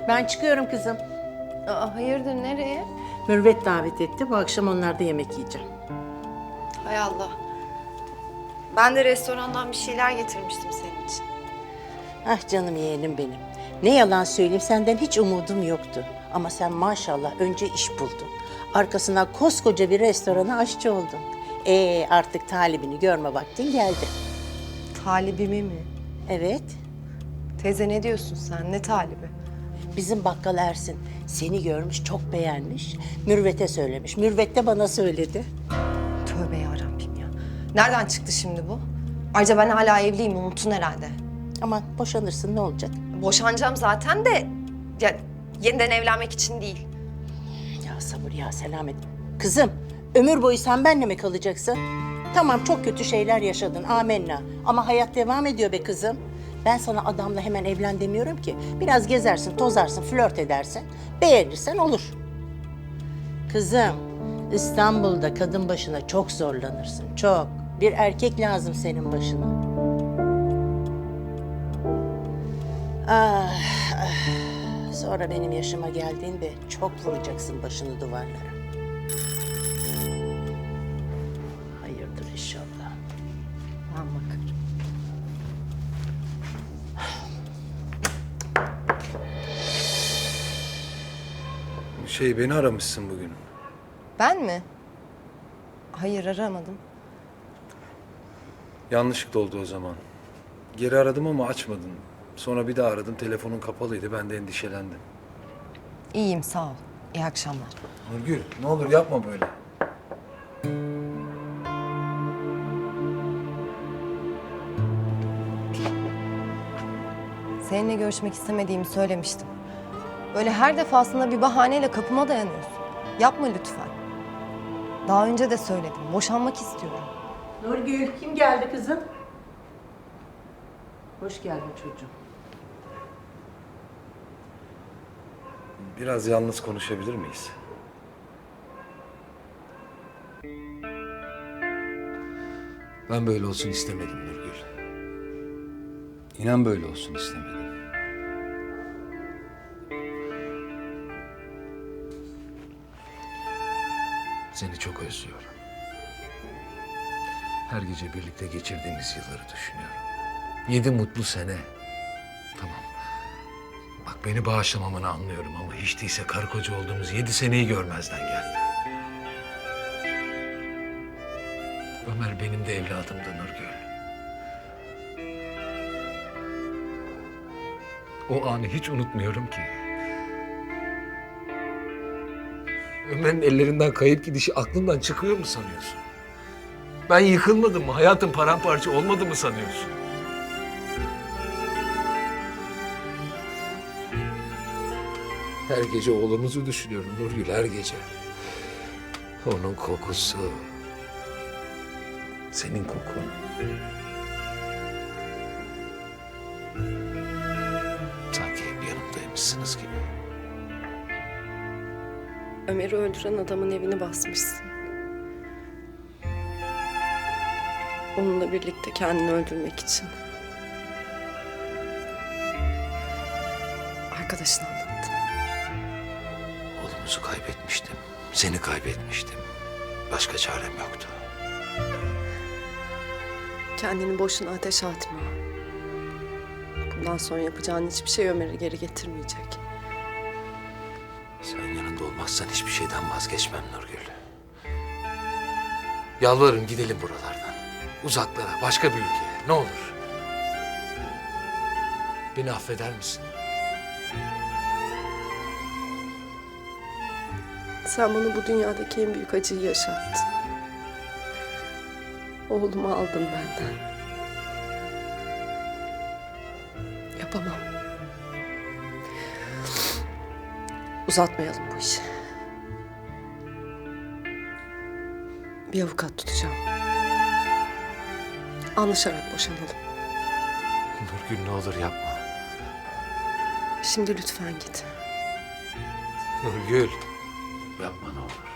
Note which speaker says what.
Speaker 1: Ben çıkıyorum kızım.
Speaker 2: Aa, hayırdır nereye?
Speaker 1: Mürvet davet etti. Bu akşam onlarda yemek yiyeceğim.
Speaker 2: Hay Allah. Ben de restorandan bir şeyler getirmiştim senin için.
Speaker 1: Ah canım yeğenim benim. Ne yalan söyleyeyim senden hiç umudum yoktu. Ama sen maşallah önce iş buldun. Arkasından koskoca bir restorana aşçı oldun. Artık talibini görme vaktin geldi.
Speaker 2: Talibimi mi?
Speaker 1: Evet.
Speaker 2: Teyze ne diyorsun sen? Ne talibi?
Speaker 1: Bizim bakkal Ersin seni görmüş, çok beğenmiş. Mürvet'e söylemiş. Mürvet de bana söyledi.
Speaker 2: Tövbe yarabbim ya. Nereden çıktı şimdi bu? Ayrıca ben hala evliyim, unuttun herhalde.
Speaker 1: Aman boşanırsın ne olacak?
Speaker 2: Boşanacağım zaten de ya, yeniden evlenmek için değil.
Speaker 1: Ya sabır ya selamet. Kızım, ömür boyu sen benimle mi kalacaksın? Tamam çok kötü şeyler yaşadın, amenna. Ama hayat devam ediyor be kızım. Ben sana adamla hemen evlen demiyorum ki. Biraz gezersin, tozarsın, flört edersin. Beğenirsen olur. Kızım, İstanbul'da kadın başına çok zorlanırsın, çok. Bir erkek lazım senin başına. Ah, ah. Sonra benim yaşıma geldiğinde çok vuracaksın başını duvarlara. Hayırdır inşallah.
Speaker 2: Ben bakarım.
Speaker 3: Beni aramışsın bugün.
Speaker 2: Ben mi? Hayır, aramadım.
Speaker 3: Yanlışlıkla oldu o zaman. Geri aradım ama açmadın. Sonra bir daha aradım, telefonun kapalıydı. Ben de endişelendim.
Speaker 2: İyiyim, sağ ol. İyi akşamlar.
Speaker 3: Nurgül, ne olur yapma böyle.
Speaker 2: Seninle görüşmek istemediğimi söylemiştim. Böyle her defasında bir bahaneyle kapıma dayanıyorsun. Yapma lütfen. Daha önce de söyledim. Boşanmak istiyorum.
Speaker 1: Nurgül, kim geldi kızım? Hoş geldin çocuğum.
Speaker 3: Biraz yalnız konuşabilir miyiz? Ben böyle olsun istemedim Nurgül. İnan böyle olsun istemedim. Seni çok özlüyorum. Her gece birlikte geçirdiğimiz yılları düşünüyorum. 7 mutlu sene. Tamam. Bak beni bağışlamamanı anlıyorum ama hiç değilse karı koca olduğumuz 7 seneyi görmezden gelme. Ömer benim de evladımdı Nurgül. O anı hiç unutmuyorum ki. Ömer'in ellerinden kayıp gidişi aklından çıkıyor mu sanıyorsun? Ben yıkılmadım mı? Hayatım paramparça olmadı mı sanıyorsun? Her gece oğlumuzu düşünüyorum Nurgül, her gece. Onun kokusu. Senin kokun. Sanki hep yanımdaymışsınız gibi.
Speaker 2: Ömer'i öldüren adamın evini basmışsın. Onunla birlikte kendini öldürmek için. Arkadaşın anlattı.
Speaker 3: Oğlumuzu kaybetmiştim. Seni kaybetmiştim. Başka çarem yoktu.
Speaker 2: Kendini boşuna ateşe atma. Bundan sonra yapacağın hiçbir şey Ömer'i geri getirmeyecek.
Speaker 3: Sen yanında olmazsan hiçbir şeyden vazgeçmem Nurgül. Yalvarırım gidelim buralardan. Uzaklara, başka bir ülkeye. Ne olur. Beni affeder misin?
Speaker 2: Sen bana bu dünyadaki en büyük acıyı yaşattın. Oğlumu aldın benden. Yapamam. Uzatmayalım bu işi. Bir avukat tutacağım. Anlaşarak boşanalım.
Speaker 3: Nurgül ne olur yapma.
Speaker 2: Şimdi lütfen git.
Speaker 3: Nurgül. Yapma ne olur.